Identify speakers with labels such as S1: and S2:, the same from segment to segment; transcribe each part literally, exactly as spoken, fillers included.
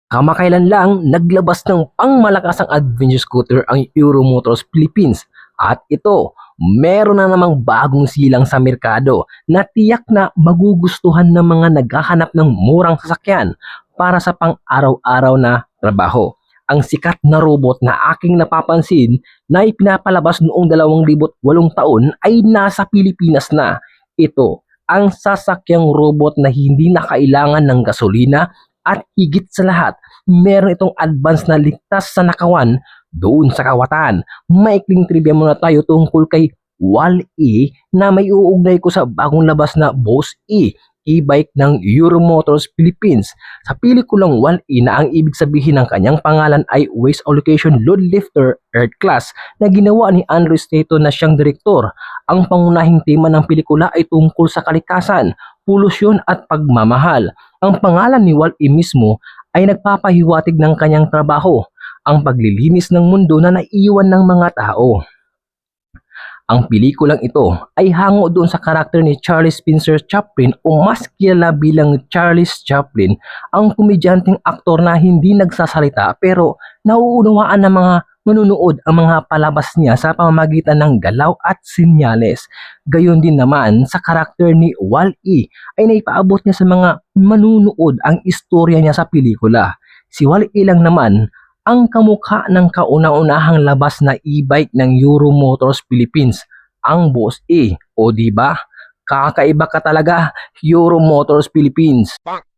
S1: Kamakailan lang naglabas ng pangmalakasang adventure scooter ang Euro Motors Philippines at ito, meron na namang bagong silang sa merkado na tiyak na magugustuhan ng mga naghahanap ng murang sasakyan para sa pang-araw-araw na trabaho. Ang sikat na robot na aking napapansin na ipinapalabas noong dalawang libo walong taon ay nasa Pilipinas na. Ito, ang sasakyang robot na hindi na kailangan ng gasolina at higit sa lahat, meron itong advance na ligtas sa nakawan doon sa kawatan. Maikling trivia muna tayo tungkol kay Wall-E na may uugnay ko sa bagong labas na Boss E, e-bike ng Euro Motors Philippines. Sa pelikulang Wall-E na ang ibig sabihin ng kanyang pangalan ay Waste Allocation Load Lifter Earth Class na ginawa ni Andrew Staton na siyang direktor. Ang pangunahing tema ng pelikula ay tungkol sa kalikasan, polusyon at pagmamahal. Ang pangalan ni Wall-E mismo ay nagpapahiwatig ng kanyang trabaho, ang paglilinis ng mundo na naiiwan ng mga tao. Ang pelikulang ito ay hango doon sa karakter ni Charlie Spencer Chaplin o mas kilala bilang Charlie Chaplin, ang komedyanteng aktor na hindi nagsasalita pero nauunawaan ng mga manunood ang mga palabas niya sa pamamagitan ng galaw at sinyales. Gayon din naman sa karakter ni Wall-E ay naipaabot niya sa mga manunood ang istorya niya sa pelikula. Si Wall-E lang naman ang kamukha ng kauna-unahang labas na e-bike ng Euro Motors Philippines, ang Boss E. O di ba? Kakaiba ka talaga, Euro Motors Philippines.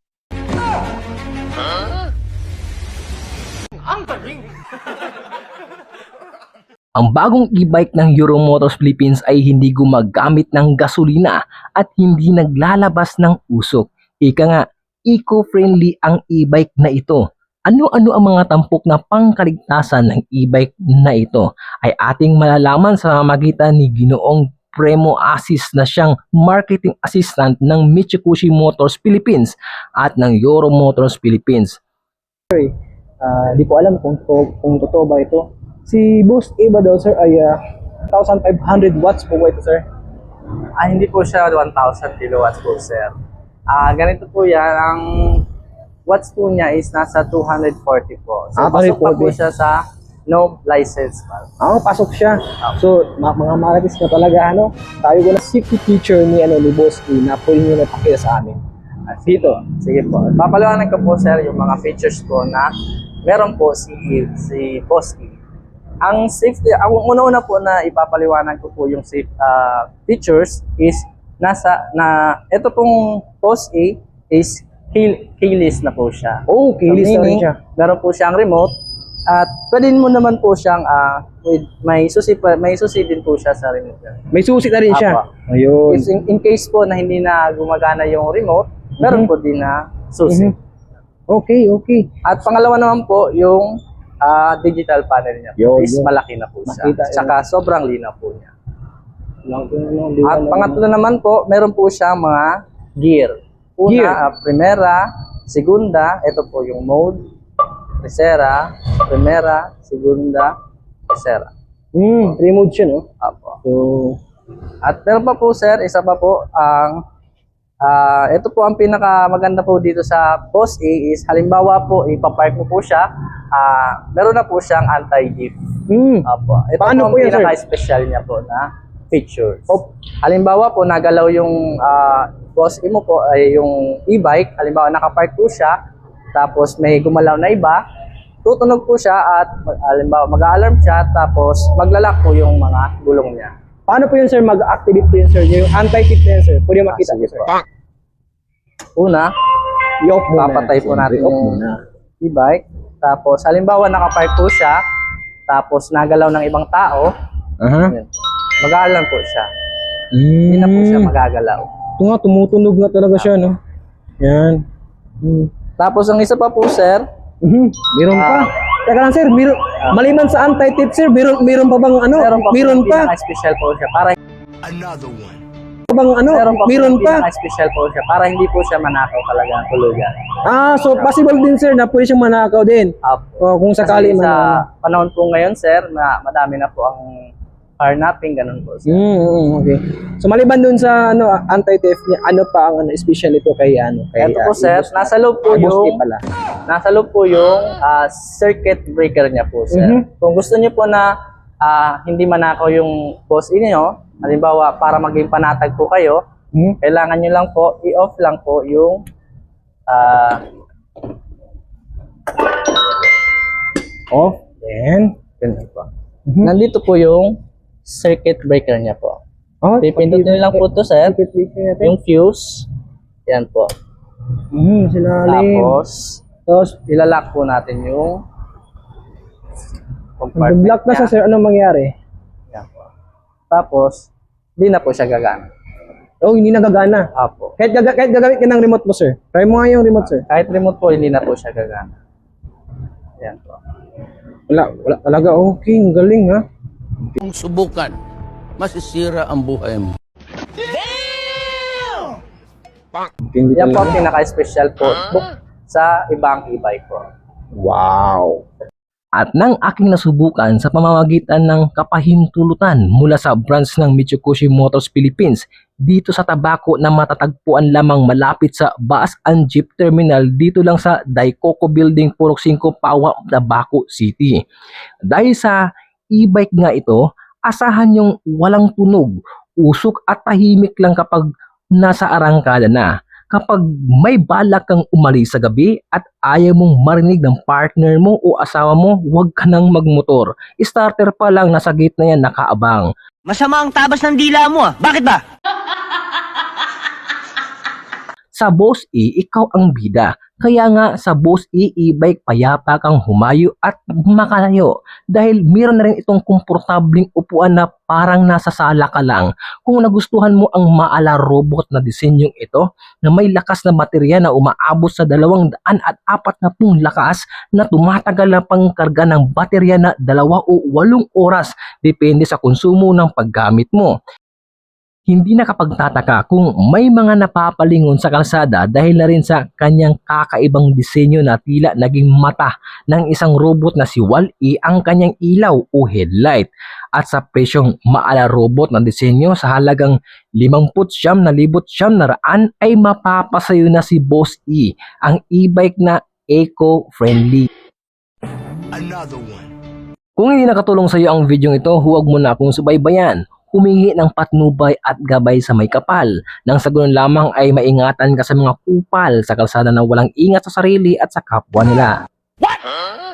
S1: Ang bagong e-bike ng Euro Motors Philippines ay hindi gumagamit ng gasolina at hindi naglalabas ng usok. Ika nga, eco-friendly ang e-bike na ito. Ano-ano ang mga tampok na pangkaligtasan ng e-bike na ito ay ating malalaman sa magitan ni Ginoong Premo Asis na siyang marketing assistant ng Mitsubishi Motors Philippines at ng Euro Motors Philippines.
S2: Uh, di ko alam kung, to, kung totoo ba ito. Si Boss E ba daw sir ay uh, one thousand five hundred watts po ba ito sir?
S3: Ah, hindi po siya one thousand kilowatts po, sir. Ah, ganito po yan. Ang watts po niya is nasa two hundred forty po. So,
S2: Ah,
S3: pasok pa po
S2: two hundred forty.
S3: siya sa no license pa.
S2: Ah, pasok siya. So, ma- mga marites na talaga, ano, tayo ko na safety feature ni, ano, ni Boss E na pwede nyo napakita sa amin.
S3: Ah, dito. Sige po. Papaliwanag ko po, sir, yung mga features po na meron po si, si Boss E. Ang safety, ang una-una po na ipapaliwanag ko po yung safe uh, features is nasa, na, ito pong Boss E is key, keyless na po siya.
S2: Oh, keyless
S3: So,
S2: na rin
S3: meaning,
S2: siya.
S3: meron po siyang remote at pwede mo naman po siyang uh, with may susi pa, may susi din po siya sa remote.
S2: May susi na rin siya.
S3: Apo.
S2: Ayun.
S3: If in, in case po na hindi na gumagana yung remote,
S2: Mhm.
S3: meron po din na susi.
S2: Mhm. Okay, okay.
S3: At pangalawa naman po yung ah, digital panel niya po
S2: Yo,
S3: is
S2: yo.
S3: malaki na po siya.
S2: Makita,
S3: Tsaka sobrang linaw po niya.
S2: Lang, ano,
S3: At pangatlo naman po, meron po siyang mga gear. Una,
S2: Gear.
S3: ah, primera, segunda, ito po yung mode, tercera, primera, segunda, tercera.
S2: Hmm, remote siya, no?
S3: Apo.
S2: So,
S3: At meron pa po, sir, isa pa po, ang ah, ito po ang pinaka maganda po dito sa Boss A is halimbawa po ipapark mo po siya, ah, meron na po siyang anti-jeep.
S2: hmm.
S3: Apo. Ito
S2: Paano po
S3: po ang
S2: yan, sir?
S3: pinaka-special niya po na features.
S2: Oh.
S3: Halimbawa po nagalaw yung ah, Boss A mo po ay yung e-bike, halimbawa nakapark po siya, tapos may gumalaw na iba, tutunog po siya at halimbawa mag-alarm siya, tapos maglalak po yung mga gulong niya.
S2: Paano po yun, sir, mag-activate po yun, sir? Yung anti-tip na yun, sir. Pwede makita
S3: Ah, sige
S2: ko, sir.
S3: po. Una,
S2: I-off muna.
S3: papatay po natin
S2: I-off
S3: yung
S2: muna.
S3: e-bike. Tapos, halimbawa, nakapark po siya. Tapos, nagalaw ng ibang tao.
S2: Aha.
S3: Yun. Mag-aalarm po siya.
S2: Mm.
S3: Hindi na po siya magagalaw.
S2: Ito nga, tumutunog nga talaga siya, no? Yan. Hmm.
S3: Tapos, ang isa pa po, sir,
S2: Mhm. Meron pa.
S3: Ah.
S2: Teka lang, sir. Meron, maliban sa anti-tip, sir, meron, meron pa bang ano?
S3: meron pa
S2: Meron
S3: po
S2: pa.
S3: special po siya. Para,
S4: Another one.
S2: Bang ano?
S3: meron pa
S2: Meron
S3: po
S2: pa.
S3: special po siya. Para hindi po siya manakaw talaga ang tulugan.
S2: Ah, so possible din, sir, na pwede siyang manakaw din.
S3: Apo.
S2: O, kung sakali
S3: Kasi
S2: man.
S3: sa panahon po ngayon, sir, na madami na po ang carnapping, ganun po, sir.
S2: Mm, mm, okay. So maliban dun sa ano anti-theft niya, ano pa ang ano special ito kay ano kay
S3: Ito po,
S2: ah,
S3: sir,
S2: Boss-
S3: nasa loob po
S2: ah, Boss A
S3: yung
S2: pala.
S3: nasa loob po yung ah, circuit breaker niya po, sir.
S2: Mhm.
S3: Kung gusto niyo po na ah, hindi manakaw yung boss niyo, halimbawa para maging panatag po kayo,
S2: Hmm?
S3: kailangan niyo lang po i-off lang po yung ah,
S2: Off. Then,
S3: ganun po.
S2: Mhm.
S3: Nandito po yung circuit breaker niya po.
S2: oh,
S3: Pipindutin lang po to, sir.
S2: circuit breaker natin.
S3: Yung fuse. Yan po.
S2: Mhm, silalim.
S3: Tapos,
S2: Tapos,
S3: ilalock po natin yung compartment
S2: nag-block na
S3: niya.
S2: sa sir, anong mangyari?
S3: Yan po. Tapos, hindi na po siya gagana.
S2: Oh, hindi nagagana.
S3: Apo.
S2: Kahit, gaga kahit gagamit ka ng remote mo, sir. Try mo nga yung remote, sir.
S3: Kahit remote po, hindi na po siya gagana. Yan po.
S2: Wala, wala talaga. Okay, ang galing, ha?
S4: Kung subukan, masisira ang buhay mo.
S2: Hindi
S3: Yan po ang
S2: talaga.
S3: pinaka-special po book sa ibang e-bike po.
S2: Wow.
S1: At nang aking nasubukan sa pamamagitan ng kapahintulutan mula sa branch ng Mitsubishi Motors Philippines dito sa Tabaco na matatagpuan lamang malapit sa Bus and Jeep Terminal dito lang sa Daikoku Building, Purok Cinco, Pawa, Tabaco City. Dahil sa e-bike nga ito, asahan yung walang tunog, usok at tahimik lang kapag nasa arangkada na. Kapag may balak kang umalis sa gabi at ayaw mong marinig ng partner mo o asawa mo, huwag ka nang magmotor. Starter pa lang nasa gate na yan nakaabang.
S5: Masama ang tabas ng dila mo ah. Bakit ba?
S1: Sa Boss E, ikaw ang bida. Kaya nga sa Boss E e-bike payapa kang humayo at makalayo. Dahil meron na rin itong komportabling upuan na parang nasa sala ka lang. Kung nagustuhan mo ang maala robot na disenyong ito na may lakas na baterya na umaabot sa dalawang daan at apat na pung lakas na tumatagal na pangkarga ng baterya na dalawa o walong oras depende sa konsumo ng paggamit mo. Hindi nakapagtataka kung may mga napapalingon sa kalsada dahil na rin sa kanyang kakaibang disenyo na tila naging mata ng isang robot na si Wall-E ang kanyang ilaw o headlight. At sa presyong maala robot na disenyo sa halagang limampu't siyam na libot siyam na raan ay mapapasayo na si Boss E, ang e-bike na eco-friendly. Kung hindi nakatulong sa iyo ang video ito, huwag mo na akong subaybayan. Humingi ng patnubay at gabay sa may kapal. Nang sa ganun lamang ay maingatan ka sa mga kupal sa kalsada na walang ingat sa sarili at sa kapwa nila.
S4: What?